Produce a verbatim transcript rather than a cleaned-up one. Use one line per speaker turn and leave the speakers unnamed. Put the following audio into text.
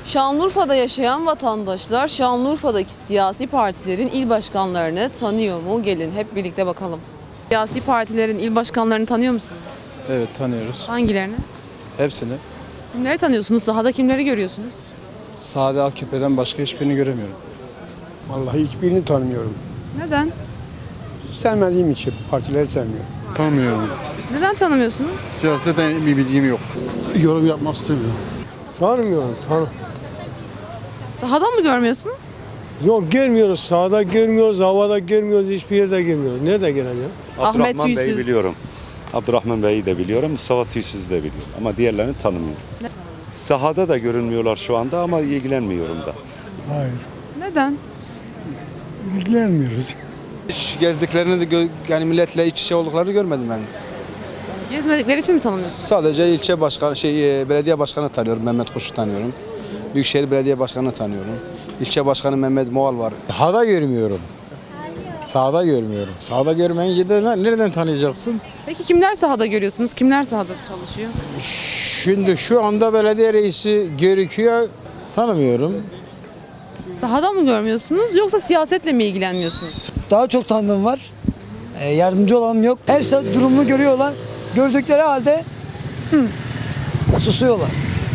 Şanlıurfa'da yaşayan vatandaşlar Şanlıurfa'daki siyasi partilerin il başkanlarını tanıyor mu? Gelin hep birlikte bakalım. Siyasi partilerin il başkanlarını tanıyor musunuz?
Evet, tanıyoruz.
Hangilerini?
Hepsini.
Kimleri tanıyorsunuz? Sahada kimleri görüyorsunuz?
Sade A K P'den başka hiçbirini göremiyorum.
Vallahi hiçbirini tanımıyorum.
Neden?
Sevmediğim için partileri sevmiyorum.
Tanımıyorum.
Neden tanımıyorsunuz?
Siyasetten bir bilgim yok. Yorum yapmak istemiyorum.
Tanımıyorum. Tanı
Sahada mı görmüyorsunuz?
Yok görmüyoruz. Sağda görmüyoruz, havada görmüyoruz, hiçbir yerde görmüyoruz. Nerede göreceğim?
Ahmet
Abdurrahman Bey'i
Tüysüz.
biliyorum. Abdurrahman Bey'i de biliyorum. Mustafa Tüysüz'ü de biliyorum. Ama diğerlerini tanımıyorum.
Ne?
Sahada da görünmüyorlar şu anda ama ilgilenmiyorum da.
Hayır.
Neden?
İlgilenmiyoruz.
Hiç gezdiklerini de gö- yani milletle iç içe olduklarını görmedim ben.
Gezmedikleri için mi tanımıyorsunuz?
Sadece ilçe başkanı, şey e, belediye başkanı tanıyorum. Mehmet Kuş'u tanıyorum. Büyükşehir Belediye Başkanı tanıyorum. İlçe Başkanı Mehmet Moğal var.
Sağda görmüyorum. Sağda görmüyorum. Sağda görmeyince de nereden tanıyacaksın?
Peki kimler sahada görüyorsunuz? Kimler sahada çalışıyor?
Şimdi şu anda belediye reisi görüküyor. Tanımıyorum.
Sahada mı görmüyorsunuz yoksa siyasetle mi ilgilenmiyorsunuz?
Daha çok tanıdığım var. Ee, yardımcı olanım yok. Hepsi durumunu görüyorlar. Gördükleri halde hı, susuyorlar.